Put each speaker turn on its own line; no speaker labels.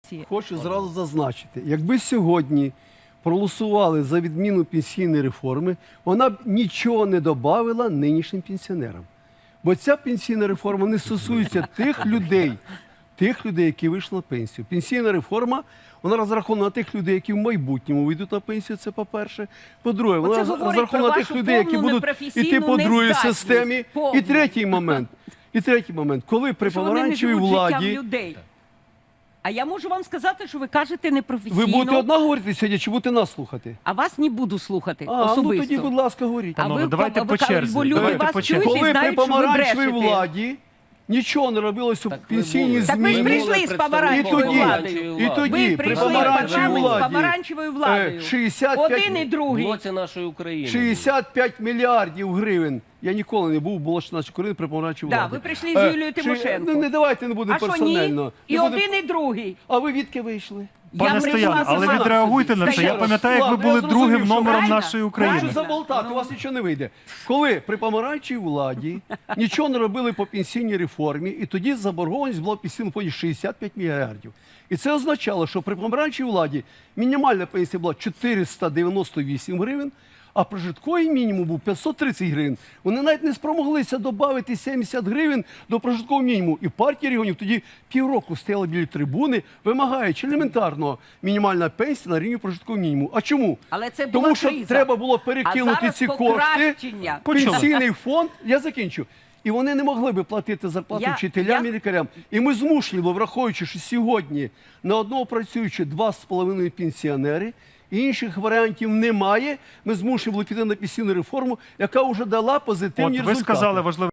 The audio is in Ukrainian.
позиції.
Хочу зразу зазначити, якби сьогодні проголосували за відміну пенсійної реформи, вона б нічого не додавала нинішнім пенсіонерам. Бо ця пенсійна реформа не стосується тих людей, які вийшли на пенсію. Пенсійна реформа, вона розрахована на тих людей, які в майбутньому вийдуть на пенсію, це по-перше. По-друге, вона розрахована на тих людей, які будуть йти по другій системі. І третій момент, коли при помаранчевій владі...
А я можу вам сказати, що ви кажете непрофесійно.
Ви будете одна говорити сьогодні, чи будете нас слухати?
А вас не буду слухати
Ну
особисто.
тоді, будь ласка, говоріть.
Панове, давайте по черзі.
Бо люди
Давайте
вас
по
чують
черзі.
і
Коли при
знають, що ви
помаранчевій
брешете.
владі нічого не робилося в пенсійній
Так ви ж
зміні.
прийшли з помаранчевою владою.
І тоді
Ви
при
прийшли в
помаранчевій
парламент з
владі
помаранчевою владою.
65
Один і другий.
Блоці нашої України.
65 мільярдів гривень. Я ніколи не був у Болоч нашої України при помаранчевій
Да,
владі.
ви прийшли з Юлією Тимошенко.
Ну, давайте не будемо
А що
персонально.
ні? І
Не будемо-
один, і другий.
А ви відки вийшли?
Пане Стоян, але
сама.
відреагуйте на це. Я пам'ятаю, як ви
Ладно, я
були
зрозумів,
другим
що
номером
правильно,
нашої України.
Хочу заболтати, у вас нічого не вийде. Коли при помаранчевій владі нічого не робили по пенсійній реформі, і тоді заборгованість була в пенсійному фонді 65 мільярдів. І це означало, що при помаранчевій владі мінімальна пенсія була 498 гривень, а прожитковий мінімум був 530 гривень. Вони навіть не спромоглися додати 70 гривень до прожиткового мінімуму. І партія регіонів тоді півроку стояла біля трибуни, вимагаючи елементарного мінімальна пенсія на рівні прожиткового мінімуму. А чому?
Але це була
Тому що
криза.
треба було
А
перекинути
зараз
ці кошти
покращення.
в пенсійний фонд. Я закінчу. І вони не могли би платити зарплату вчителям і лікарям. І ми змушені були, враховуючи, що сьогодні на одного працюючи 2,5 пенсіонери, і інших варіантів немає, ми змушені були піти на пенсійну реформу, яка вже дала позитивні результати.
Ви сказали важливе.